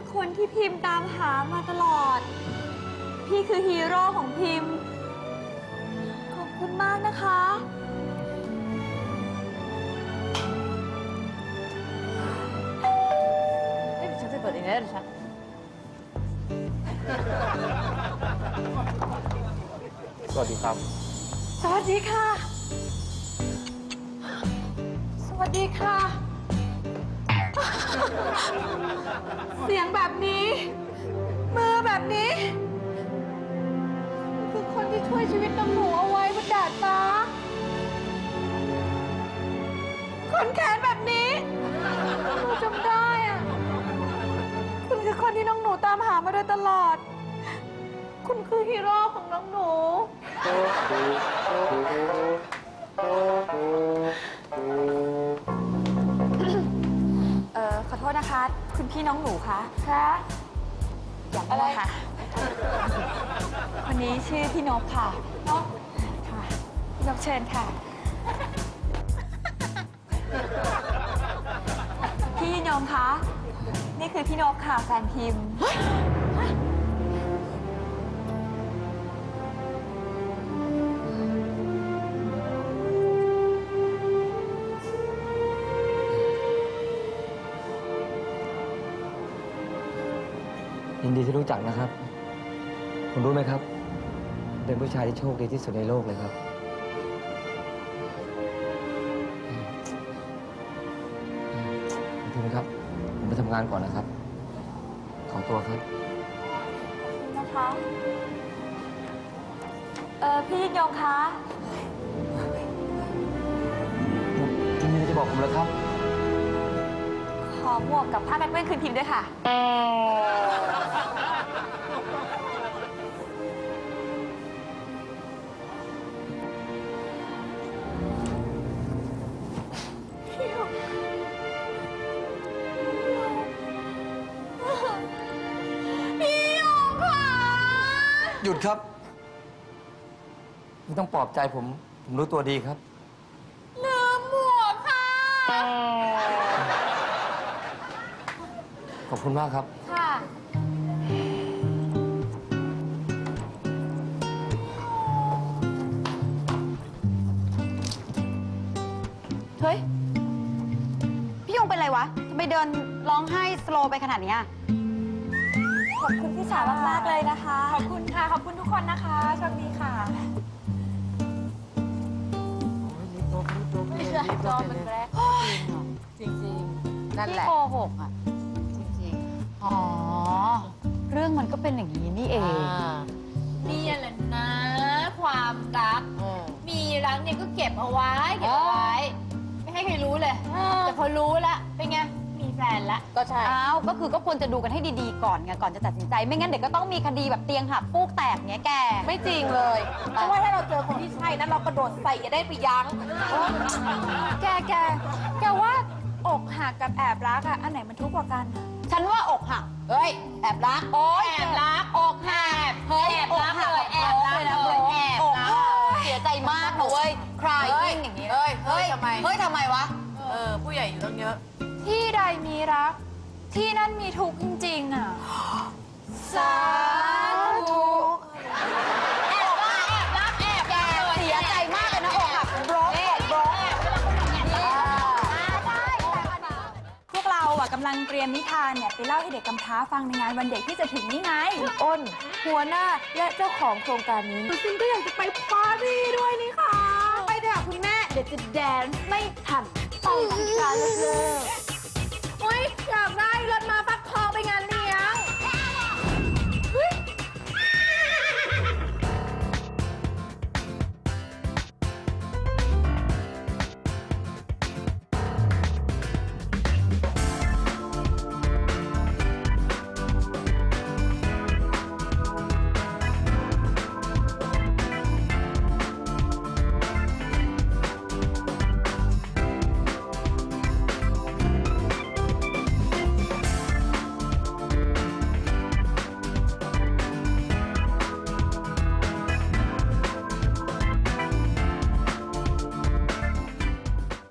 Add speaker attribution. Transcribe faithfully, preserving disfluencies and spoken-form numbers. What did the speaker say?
Speaker 1: คนที่พิมพ์ตามหามาตลอด พี่คือฮีโร่ของพิมพ์ ขอบคุณมากนะคะ
Speaker 2: เอ้ยฉันจะเปิดเองได้หรือฉัน
Speaker 3: สวัสดีครับ
Speaker 1: สวัสดีค่ะ สวัสดีค่ะ เสียงแบบนี้ มือแบบนี้ คือคนที่ช่วยชีวิตน้องหนูเอาไว้บนดาดฟ้าคนแขนแบบนี้หนูจำได้อะคุณคือคนที่น้องหนูตามหามาโดยตลอด คุณคือฮีโร่ของน้องหนู เอ่อ ขอโทษนะคะ คุณพี่น้องหนูคะคะอย่างอะไรคะคนนี้ชื่อพี่นกค่ะนกค่ะพี่นกเชิญค่ะ พี่นมคะ นี่คือพี่นกค่ะแฟนพิมพ์
Speaker 3: ยินดีที่รู้จักนะครับ คุณรู้ไหมครับ เป็นผู้ชายที่โชคดีที่สุดในโลกเลยครับคุณครับ ผมไปทำงานก่อนนะครับ ขอตัวครับ
Speaker 1: นะคะ เอ่อ พี่ยงคะ
Speaker 3: คุณมีอะไรจะบอกผมแล้วครับ
Speaker 1: ขอหมวกกับผ้ากันเปื้อนคืนพิมพ์ด้วยค่ะ พี่ยงค่ะ
Speaker 3: หยุดครับไม่ต้องปลอบใจผม ผมรู้ตัวดีครับ
Speaker 1: ลืมหมวกค่ะ
Speaker 3: ขอบคุณมากครับ
Speaker 1: ค่ะ
Speaker 2: เฮ้ย พี่ยงเป็นไรวะทำไมเดินร้องไห้สโลว์ไปขนาดเนี้ย
Speaker 1: ขอบคุณพี่สาวมากๆเลยนะคะ ขอบคุณค่ะ ขอบคุณทุกคนนะคะโชคดีค่ะ
Speaker 2: ไม่ใช่จอมันแรกจริงๆนั่นแหละพี่โกหกอ่ะ จริงๆ อ๋อ เรื่องมันก็เป็นอย่างนี้นี่เอง
Speaker 4: นี่แหละนะ ความรัก มีรักเนี่ยก็เก็บเอาไว้ เก็บเอาไว้ ไม่ให้ใครรู้เลย แต่พอรู้ละเป็นไง มีแฟนละ
Speaker 2: ก็ใช่ อ้าว ก็คือก็ควรจะดูกันให้ดีๆก่อนไง ก่อนจะตัดสินใจ ไม่งั้นเดี๋ยวก็ต้องมีคดีแบบเตียงหักฟูกแตกเงี้ยแก
Speaker 4: ไม่จริงเลย เพราะว่าถ้าเราเจอคนที่ใช่นะเรากระโดดใส่จะได้ไปยั้ง
Speaker 1: แกแกแกว่าอกหักกับแอบรักอะอันไหนมันทุกข์กว่ากัน
Speaker 2: ฉันว่าอกหัก เฮ้ย แอบรัก โอ๊ย
Speaker 4: แอบรัก
Speaker 2: อกหัก เฮ้ย
Speaker 4: แอบรัก
Speaker 2: หั
Speaker 4: เลยแอบรักเลยแอบรัก
Speaker 2: เสียใจมากนะเว้ย คลายยิ่งอย่างนี้
Speaker 4: เฮ้ยเฮ้ยทำไม
Speaker 2: เฮ้ยทำไมวะ
Speaker 4: เออ ผู้ใหญ่อยู่ตั้งเยอะ
Speaker 1: ที่ใดมีรัก ที่นั่นมีทุกข์จริงๆอะสาธุ
Speaker 4: แอบรักแอบรักแอบ
Speaker 2: แกเสียใจมากเลยนะอกหักบล็อกบล็อก
Speaker 1: พวกเราอะกำลังเตรียมนิทานเนี่ยไปเล่าให้เด็กกำพร้าฟังในงานวันเด็กที่จะถึงนี่ไง
Speaker 4: อ้น หัวหน้าและเจ้าของโครงการนี้ซินก็อยากจะไปปาร์ตี้ด้วยนี่ค่ะ ไปเถอะคุณแม่ เดี๋ยวจะแดนซ์ไม่ทันไปกันเลยโอ๊ยอยากได้รถมาไฟ